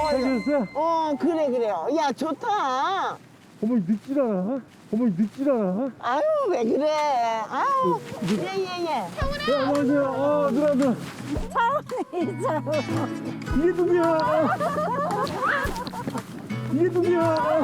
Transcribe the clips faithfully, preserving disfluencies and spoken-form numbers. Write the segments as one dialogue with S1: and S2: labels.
S1: 해줬어?
S2: 어, 그래, 그래요. 야, 좋다.
S1: 어머니 늙질 않아? 어머니 늙질 않아?
S2: 아유, 왜 그래. 아유, 예, 예, 예.
S1: 네, 안녕하세요. 어, 누나, 누나.
S3: 차원이 차원.
S1: 이게 누구야? 이게 누구야?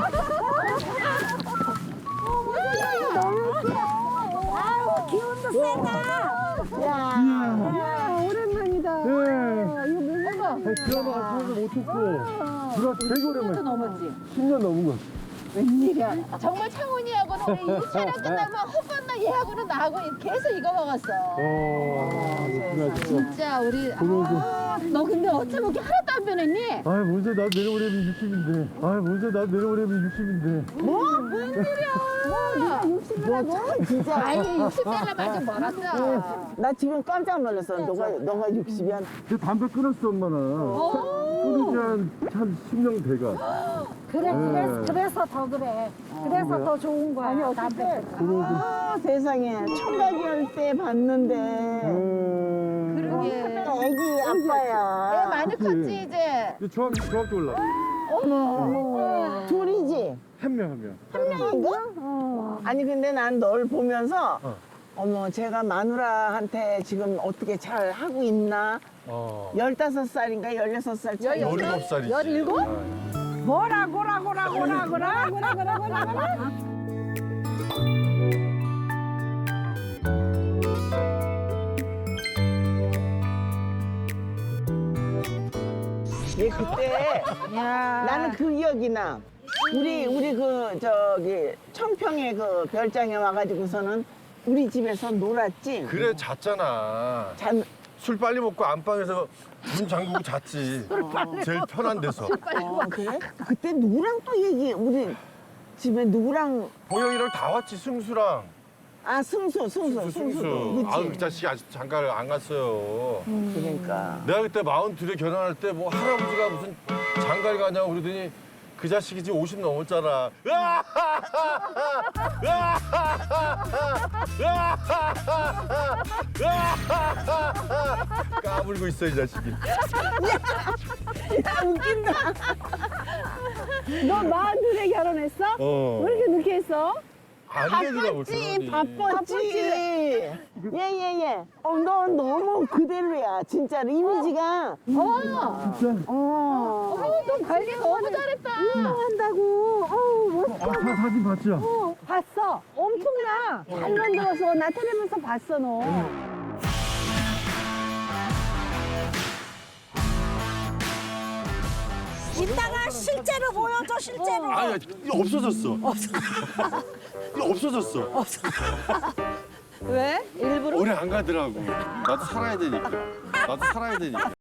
S3: 아유 기운도 세다.
S2: 야,
S3: 야 오랜만이다.
S1: 네.
S3: 이거 누구가?
S1: 아니, 드라마 안 찍어서 못 했고. 누나 되게 오랜만에.
S4: 넘었지.
S1: 십 년 넘은 거.
S4: 웬일이야. 정말 창훈이하고는 우리 이 촬영 끝나면 헛건나 얘하고는 나하고 계속 이거 먹었어.
S1: 어, 그렇구나, 진짜.
S4: 진짜 우리
S1: 고마워.
S4: 아, 너 근데 어쩜 이렇게 하나도 안 변했니?
S1: 아이, 뭔데, 나 내려오려면 육십인데. 아이, 뭔데, 나 내려오려면 육십인데.
S4: 뭐? 웬일이야.
S2: 너 참, 진짜.
S4: 아이 육십 살라 아직 멀었어.
S2: 나 지금 깜짝 놀랐어. 너가, 너가 육십이야.
S1: 내 담배 끊었어, 엄마는. 끊은 지한 십 년 돼가.
S3: 그래
S1: 네.
S3: 그래서 그래서 더 그래. 그래서
S1: 뭐야?
S3: 더 좋은 거야. 아니 어때?
S2: 아, 세상에. 청각이 할 때 봤는데.
S1: 음.
S4: 그러게.
S2: 애기 아빠야.
S4: 애 많이 컸지 이제.
S1: 이제 중학교, 중학교 올라.
S2: 어머. 둘이지?
S1: 한 명, 한 명.
S2: 한 명인가?
S3: 어.
S2: 아니, 근데 난 널 보면서,
S1: 어.
S2: 어머, 제가 마누라한테 지금 어떻게 잘 하고 있나?
S1: 어.
S2: 열다섯 살인가 열여섯 살 차이.
S1: 열일곱 살이지.
S4: 열일곱?
S3: 뭐라고라고라고라고라고라고라고라.
S2: 얘 그때 나는 그 기억이 나. 우리 우리 그 저기 청평에 그 별장에 와가지고서는 우리 집에서 놀았지.
S5: 그래 잤잖아.
S2: 잔
S5: 술 빨리 먹고 안방에서 문 잠그고 잤지. 제일 편한 데서.
S2: 어, 그래? 그때 누구랑 또 얘기? 우리 집에 누구랑?
S5: 보영이랑 다 왔지 승수랑.
S2: 아 승수 승수
S5: 승수.
S2: 승수도. 그치?
S5: 아그 자식이 아직 장가를 안 갔어요.
S2: 그러니까.
S5: 내가 그때 마흔둘에 결혼할 때 뭐 할아버지가 무슨 장가를 가냐고 그러더니 그 자식이 지금 오십 넘었잖아. 까불고 있어 이 자식이.
S2: 야 웃긴다.
S3: 너 마흔둘에 결혼했어?
S5: 어.
S3: 왜 이렇게 늦게 했어?
S5: 안 되더라고
S2: 바빴지
S5: 결혼이.
S2: 바빴지. 예예예. 어 너 너무 그대로야 진짜로 이미지가.
S4: 어.
S1: 진짜?
S2: 어.
S4: 어머 너 관리 너무 잘했다.
S3: 한다고. 어우 멋있어.
S1: 아, 사, 사진 봤죠?
S3: 어, 봤어. 엄청나. 잘 만들어서 나 텔레비에서 봤어 너. 이따가 실제로 보여줘 실제로.
S5: 아니 이거 없어졌어. 이거 없어졌어.
S4: 왜? 일부러?
S5: 오래 안 가더라고. 나도 살아야 되니까. 나도 살아야 되니까.